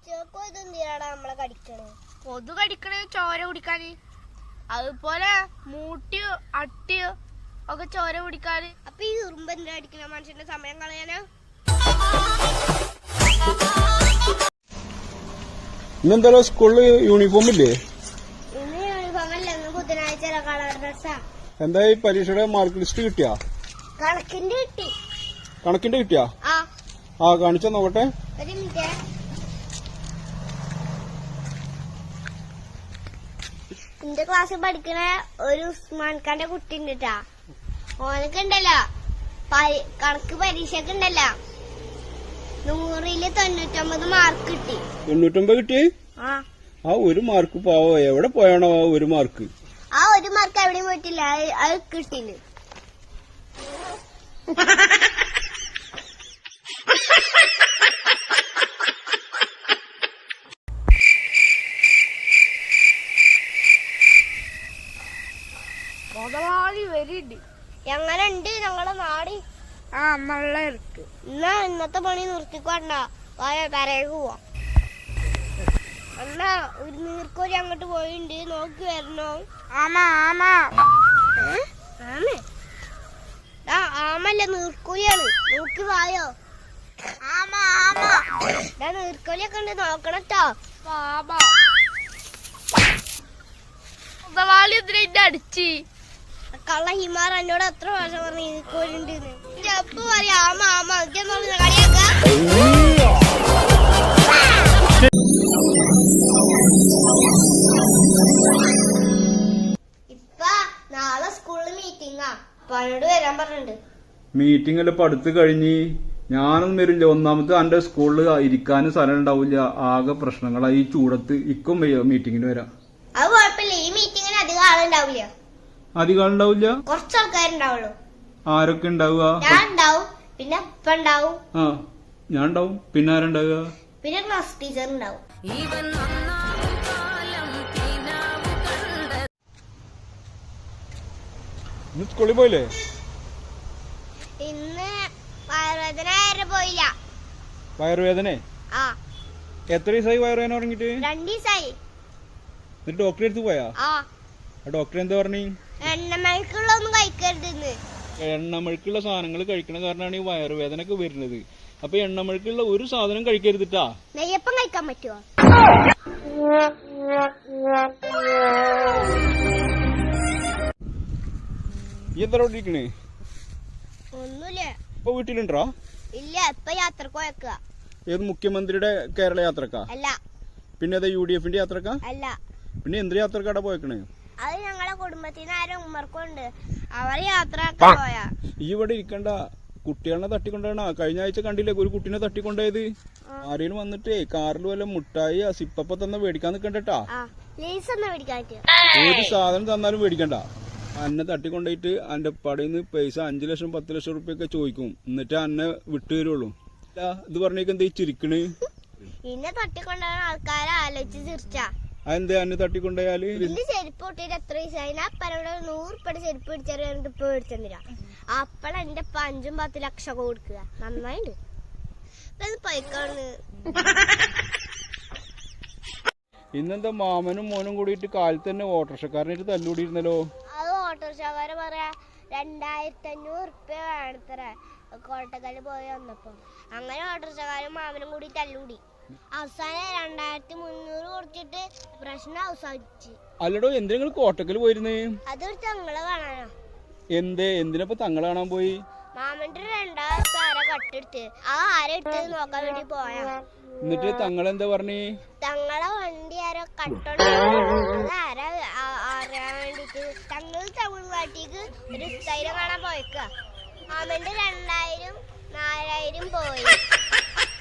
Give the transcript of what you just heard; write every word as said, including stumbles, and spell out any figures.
കൊതു കടിക്കണ ചോര കുടിക്കാന്, അതുപോലെ മൂട്ടിയോ അട്ടിയോ ഒക്കെ ചോര കുടിക്കാന്. അപ്പൊ ഈ ഉറുമ്പ് എന്തിനാ അടിക്കണ? മനുഷ്യന്റെ സമയം കളയാനാ. ഇന്നെന്താ സ്കൂളില് യൂണിഫോം ഇല്ലേ? ഇന്ന് യൂണിഫോം അല്ല, ഇന്ന് ബുധനാഴ്ച കളർ ഡ്രസ്സാ. എന്താ ഈ പരീക്ഷയുടെ മാർക്ക് ലിസ്റ്റ് കിട്ടിയാ? കണക്കിന്റെ കിട്ടി. കണക്കിന്റെ കിട്ടിയാ? ആ കാണിച്ചാ നോക്കട്ടെ. ഒരു മിനിറ്റ്. എന്റെ ക്ലാസ്സിൽ പഠിക്കണ ഒരു ഉസ്മാൻ ഖാന്റെ കുട്ടി ഉണ്ടട്ടാ. ഓനക്ക് ഉണ്ടല്ലോ കണക്ക് പരീക്ഷക്ക് ഉണ്ടല്ലോ നൂറില് തൊണ്ണൂറ്റൊമ്പത് മാർക്ക് കിട്ടി. തൊണ്ണൂറ്റൊമ്പത് കിട്ടി? ആ ഒരു മാർക്ക് പാവോ, എവിടെ പോയാണോ ആ ഒരു മാർക്ക്? ആ ഒരു മാർക്ക് എവിടെയും പോയിട്ടില്ല, അത് കിട്ടില്ല. മുതലാളി വരിണ്ട്. എങ്ങനുണ്ട് ഞങ്ങളെ നാട്? ആ നല്ല ഇருக்கு. എന്നാ ഇന്നത്തെ പണി നിർത്തിക്കൊണ്ട തരേക്ക് പോവാ. എന്നാ ഒരു നീർക്കോലി അങ്ങോട്ട് പോയിണ്ട്, നോക്കി വരണോ? ആമാ ആമാ ആമേ ആമല്ല, നീർക്കോലിയാണ്. നോക്കി വായോ. ആമാ ആമാ നീർക്കോലിയൊക്കെ ഉണ്ട്, നോക്കണട്ടോ. മുതലാളി എന്തിനാ അടിച്ച്? കള്ള ഹിമാർ എന്നോട് എത്ര ഭാഷ പറഞ്ഞു നീർക്കോലിണ്ട്. അപ്പൊ പറയാ ആമ ആമ കളിയാക്ക. ഇപ്പൊ നാളെ സ്കൂളിൽ മീറ്റിംഗാ, പനോട് വരാൻ പറഞ്ഞിട്ടുണ്ട്. മീറ്റിംഗ് എല്ലാം ഇപ്പൊ അടുത്ത് കഴിഞ്ഞ് ഞാനൊന്നും വരില്ല. ഒന്നാമത്തെ എന്റെ സ്കൂളിൽ ഇരിക്കാനും സ്ഥലം ഉണ്ടാവില്ല, ആകെ പ്രശ്നങ്ങളായി. ഈ ചൂടത്ത് ഇക്കും മീറ്റിങ്ങിന് വരാം. അത് കുഴപ്പമില്ല, ഈ മീറ്റിങ്ങിന് അധികം ആളുണ്ടാവില്ല. അധികം ആളുണ്ടാവില്ല, കുറച്ച് ആൾക്കാരുണ്ടാവുള്ളൂ. ആരൊക്കെ ഉണ്ടാവുക? ഞാൻ ഉണ്ടാവും, പിന്നെ അപ്പ ഉണ്ടാവും. ആ ഞാൻ ഉണ്ടാവും, പിന്നെ ആരുണ്ടാവുക? പിന്നെ ക്ലാസ് ടീച്ചർ ഉണ്ടാവും. ഇന്ന് സ്കൂളിൽ പോയില്ലേ? ഇന്ന് വയറുവേദന ആരും പോയില്ല. വയറുവേദന? ആ. എത്ര ദിവസമായി വയറുവേദന തുടങ്ങിട്ട്? രണ്ടു ദിവസമായി. എന്നിട്ട് ഡോക്ടറെ അടുത്ത് പോയാ? ആ. ഡോക്ടർ എന്താ പറഞ്ഞു? എണ്ണമഴുക്കുള്ള ഒന്നും കഴിക്കരുത്. എണ്ണമഴുക്കുള്ള സാധനങ്ങൾ കഴിക്കണ കാരണമാണ് ഈ വയറുവേദന ഒക്കെ വരുന്നത്. അപ്പൊ എണ്ണമഴുക്കുള്ള ഒരു സാധനം കഴിക്കരുതിട്ടാ. നെയ്യപ്പം കഴിക്കാൻ പറ്റുമോ? ഈ എന്താ ഇരിക്കണേ? ഒന്നുമില്ല. ഇപ്പൊ വീട്ടിലുണ്ടോ? ഇല്ല, ഇപ്പൊ യാത്രക്ക് പോയേക്ക. ഏത് മുഖ്യമന്ത്രിയുടെ കേരള യാത്രക്കാ? അല്ല. പിന്നെ ഏതാ യു ഡി എഫിന്റെ യാത്രക്കാ? അല്ല. പിന്നെ എന്ത് യാത്രക്കാടാ പോയേക്കണേ? അത് ഞങ്ങളെ കുടുംബത്തിന് ആരും ഉമ്മർക്കുണ്ട്, അവർ യാത്രക്കാൻ പോയാ. ഈ ഇവിടെ ഇരിക്കണ്ട, കുട്ടികളെ തട്ടിക്കൊണ്ടാണ്. കഴിഞ്ഞ ആഴ്ച കണ്ടില്ലേ ഒരു കുട്ടീനെ തട്ടിക്കൊണ്ടായത്? ആരെയും വന്നിട്ടേ കാറിൽ വല്ല മുട്ടായി സിപ്പപ്പ തന്ന മേടിക്കാൻ നിക്കണ്ടാ. ഏത് സാധനം തന്നാലും മേടിക്കണ്ട. അന്നെ തട്ടിക്കൊണ്ടായിട്ട് അന്റെ പടയിന്ന് പൈസ അഞ്ചു ലക്ഷം പത്ത് ലക്ഷം റുപ്യൊക്കെ ചോദിക്കും, എന്നിട്ട് അന്നെ വിട്ടു തരുള്ളൂ. ഇത് പറഞ്ഞേക്ക് എന്താ ചിരിക്കണ്? ഇന്നെ തട്ടിക്കൊണ്ടാണ് ആൾക്കാരെ ആലോചിച്ച് ചിരിച്ചാ. അതെന്താ അന്നെ തട്ടിക്കൊണ്ടായാല്? ചെരുപ്പ് പൊട്ടിട്ട് എത്ര ദിവസമായി? അപ്പനോട് നൂറുപ്പടി ചെരുപ്പ് പിടിച്ചാൽ ഇപ്പൊ മേടിച്ചെന്നില്ല. അപ്പഴ എന്റെ ഇപ്പൊ അഞ്ചും പത്ത് ലക്ഷം കൊടുക്കുക. നന്നായിണ്ട്. പൈക്കാണ്. ഇന്നെന്താ മാമനും മോനും കൂടിയിട്ട് കാലത്ത് തന്നെ ഓട്ടോറിക്ഷക്കാരനായിട്ട് തല്ലൂടിയിരുന്നല്ലോ? അത് ഓട്ടോറിക്ഷക്കാര് പറയാ രണ്ടായിരത്തി അഞ്ഞൂറ് ഉറുപ്പ്യ വേണത്ര കോട്ടക്കല് പോയി വന്നപ്പോ. അങ്ങനെ ഓട്ടോറിക്ഷക്കാരും മാമനും കൂടി തല്ലൂടി. അവസാനം രണ്ടായിരത്തി മുന്നൂറ് കൊടുത്തിട്ട് പ്രശ്നം അവസാനിച്ചു. അല്ലടോ, എന്തിനാ കോട്ടക്കല് പോയിരുന്നേ? അതൊരു തങ്ങളെ കാണാനാ. എന്തേ എന്തിനപ്പൊ തങ്ങളെ കാണാൻ പോയി? മാമന്റെ രണ്ടായിരത്തി ആര കട്ടെടുത്ത് ആ ആരെടുത്ത് നോക്കാൻ വേണ്ടി പോയാ. എന്നിട്ട് തങ്ങളെന്താ പറഞ്ഞേ? തങ്ങളെ വണ്ടി ആരോ കട്ടോണ്ട് ആരാ അറിയാൻ വേണ്ടിട്ട് തങ്ങൾ തമിഴ്നാട്ടിക്ക് ഒരു സ്ഥൈര്യം കാണാൻ പോയേക്ക. മാമന്റെ രണ്ടായിരം നാലായിരം പോയി.